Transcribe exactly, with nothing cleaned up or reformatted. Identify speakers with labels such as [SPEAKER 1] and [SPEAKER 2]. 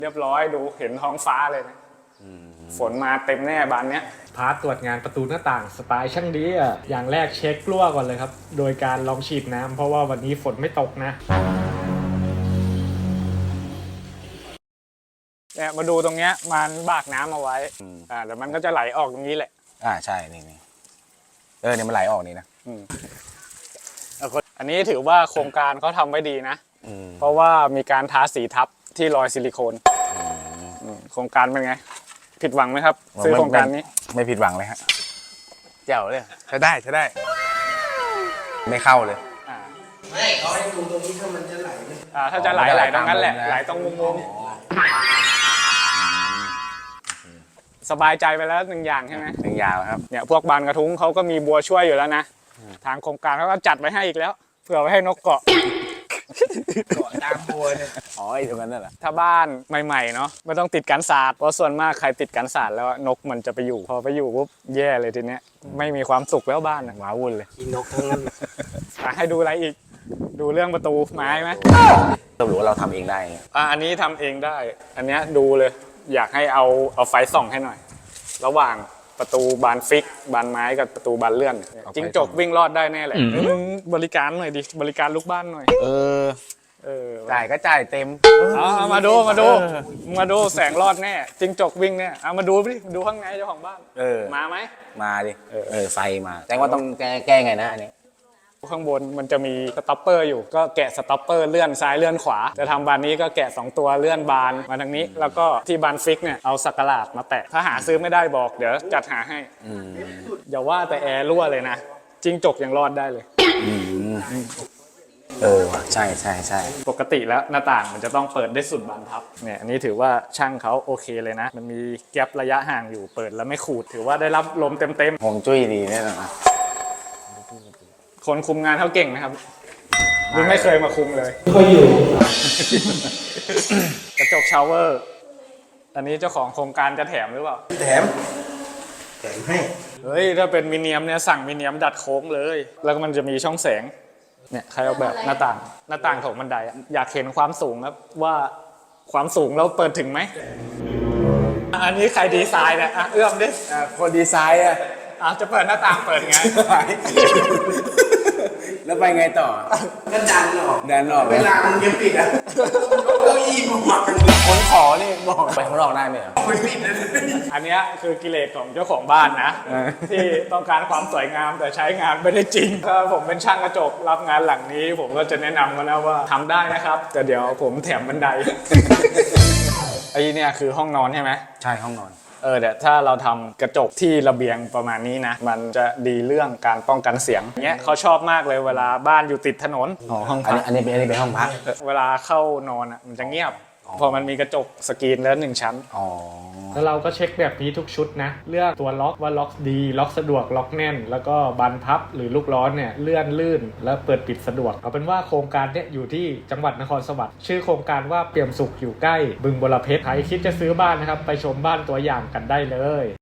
[SPEAKER 1] เรียบร้อยดูเห็นท้องฟ้าเลยนะฝนมาเต็มแน่บานเนี้ย
[SPEAKER 2] พาร์ทตรวจงานประตูหน้าต่างสไตล์ช่างดีอ่ะอย่างแรกเช็ครั่วก่อนเลยครับโดยการลองฉีดน้ำเพราะว่าวันนี้ฝนไม่ตกนะ
[SPEAKER 1] เนี่ยมาดูตรงเนี้ยมันบากน้ำเอาไว้อ่าแล้วมันก็จะไหลออกตรงนี้แหละ
[SPEAKER 3] อ่าใช่นี่นี่เออเนี่ยมันไหลออกนี่นะ
[SPEAKER 1] อันนี้ถือว่าโครงการเขาทำไว้ดีนะเพราะว่ามีการทาสีทับที่รอยซิลิโคนโครงการเป็นไงผิดหวังไหมครับซื้อโครงการนี้
[SPEAKER 3] ไม่ผิดหวังเลยฮะเจ๋วเลยใช้ได้ใช้ได้ไม่เข้าเลย
[SPEAKER 4] ไม่เขาให้ดูตรงนี้ถ้ามันจะไหล
[SPEAKER 1] อ่าถ้าจะไหลไหลตรงนั้นแหละไหลตรงมุมสบายใจไปแล้วหนึ่งอย่างใช่ไหม
[SPEAKER 3] หนึ่งอย่างครับ
[SPEAKER 1] เนี่ยพวกบานกระทุ้งเขาก็มีบัวช่วยอยู่แล้วนะทางโครงการเขาก็จัดไว้ให้อีกแล้วเผื่อไว้ให้นกเกาะ
[SPEAKER 4] เกาะตามบัวเนี่ย
[SPEAKER 3] อ๋อไอ้ตรงนั้นน่ะเหรอ
[SPEAKER 1] ถ้าบ้านใหม่ๆเนาะไม่ต้องติดกันศาสตร์เพราะส่วนมากใครติดกันศาสตร์แล้วนกมันจะไปอยู่พอไปอยู่ปุ๊บแย่เลยทีเนี้ยไม่มีความสุขแล้วบ้านหมาวุ่นเลย
[SPEAKER 4] กินนกทั้งนั้น
[SPEAKER 1] ให้ดูอะไรอีกดูเรื่องประตูไม้ไหม
[SPEAKER 3] เรารู้ว่าเราทำเองได้
[SPEAKER 1] อ่าอันนี้ทำเองได้อันเนี้ยดูเลยอยากให้เอาเอาไฟส่องให้หน่อยระหว่างประตูบานฟิกบานไม้กับประตูบานเลื่อนจิ้งจกวิ่งรอดได้แน่เลยมึงบริการหน่อยดิบริการลูกบ้านหน่อย
[SPEAKER 3] เออ
[SPEAKER 1] เออ
[SPEAKER 3] จ่ายก็จ่ายเต็ม
[SPEAKER 1] เอามาดูมาดูมาดูแสงรอดแน่จิ้งจกวิ่งเนี่ยเอามาดูดิดูข้างในเจ้าของบ้าน
[SPEAKER 3] เออ
[SPEAKER 1] มาไหม
[SPEAKER 3] มาดิเออไฟมาแจ้งว่าต้องแก้แก้ไงนะอันนี้
[SPEAKER 1] ข้างบนมันจะมีสต็อปเปอร์อยู่ก็แกะสต็อปเปอร์เลื่อนซ้ายเลื่อนขวาจะทำบานนี้ก็แกะสองตัวเลื่อนบานมาทางนี้แล้วก็ที่บานฟิกเนี่ยเอาสักหลาดมาแปะถ้าหาซื้อไม่ได้บอกเดี๋ยวจัดหาให้อย่าว่าแต่แอร์รั่วเลยนะจิ้งจกยังรอดได้เลย
[SPEAKER 3] เออใช่ใช่ใช่
[SPEAKER 1] ปกติแล้วหน้าต่างมันจะต้องเปิดได้สุดบานพับเนี่ยอันนี้ถือว่าช่างเขาโอเคเลยนะมันมีแกลระยะห่างอยู่เปิดแล้วไม่ขูดถือว่าได้รับลมเต็ม
[SPEAKER 3] ๆห่วงจุ้ยดีแน่นอน
[SPEAKER 1] คนคุมงานเขาเก่งนะครับหรือไม่เคยมาคุมเลย
[SPEAKER 4] ไม่ค่อยอยู่
[SPEAKER 1] กระจกชาวเวอร์อันนี้เจ้าของโครงการจะแถมหรือเปล่า
[SPEAKER 4] แถมแถมให้
[SPEAKER 1] เฮ้ยถ้าเป็นมิเนียมเนี่ยสั่งมิเนียมดัดโค้งเลยแล้วก็มันจะมีช่องแสงเนี่ยใครเอาแบบหน้าต่างหน้าต่างของบันไดอยากเห็นความสูงครับว่าความสูงเราเปิดถึงไหมอันนี้ใครดีไซน์เนี่ยเอื้อมดิ
[SPEAKER 3] คนดีไซน์อ่ะ
[SPEAKER 1] อาจะเปิดหน้าต่างเปิดไง
[SPEAKER 3] แล้วไปไงต่อ
[SPEAKER 4] ก็ดันออก
[SPEAKER 3] ดันออก
[SPEAKER 4] เวลามันยังปิดอ่ะเก้าอี้มาหมัก
[SPEAKER 3] คนขอนี่บอกไปข้างนอกได้ไหม
[SPEAKER 4] ไม่ปิดเลย
[SPEAKER 1] อันนี้คือกิเลสของเจ้าของบ้านนะที่ต้องการความสวยงามแต่ใช้งานไม่ได้จริงถ้าผมเป็นช่างกระจกรับงานหลังนี้ผมก็จะแนะนำมาแล้วว่าทำได้นะครับแต่เดี๋ยวผมแถมบันไดไอ้เนี่ยคือห้องนอนใช่ไหม
[SPEAKER 3] ใช่ห้องนอน
[SPEAKER 1] เออเดี๋ยวถ้าเราทำกระจกที่ระเบียงประมาณนี้นะมันจะดีเรื่องการป้องกันเสียงเนี้ยเขาชอบมากเลยเวลาบ้านอยู่ติดถนน
[SPEAKER 3] อ๋อห้องพักอันนี้เป็นอันนี้เป็นห้องพัก
[SPEAKER 1] เวลาเข้านอนอ่ะมันจะเงียบพอมันมีกระจกสกรีนแล้วหนึ่งชั้น
[SPEAKER 3] อ๋อ
[SPEAKER 2] แล้วเราก็เช็คแบบนี้ทุกชุดนะเลือกตัวล็อกว่าล็อกดีล็อกสะดวกล็อกแน่นแล้วก็บานพับหรือลูกล้อเนี่ยเลื่อนลื่นและเปิดปิดสะดวกเอาเป็นว่าโครงการเนี่ยอยู่ที่จังหวัดนครสวรรค์ชื่อโครงการว่าเปี่ยมสุขอยู่ใกล้บึงบรเพชรใครคิดจะซื้อบ้านนะครับไปชมบ้านตัวอย่างกันได้เลย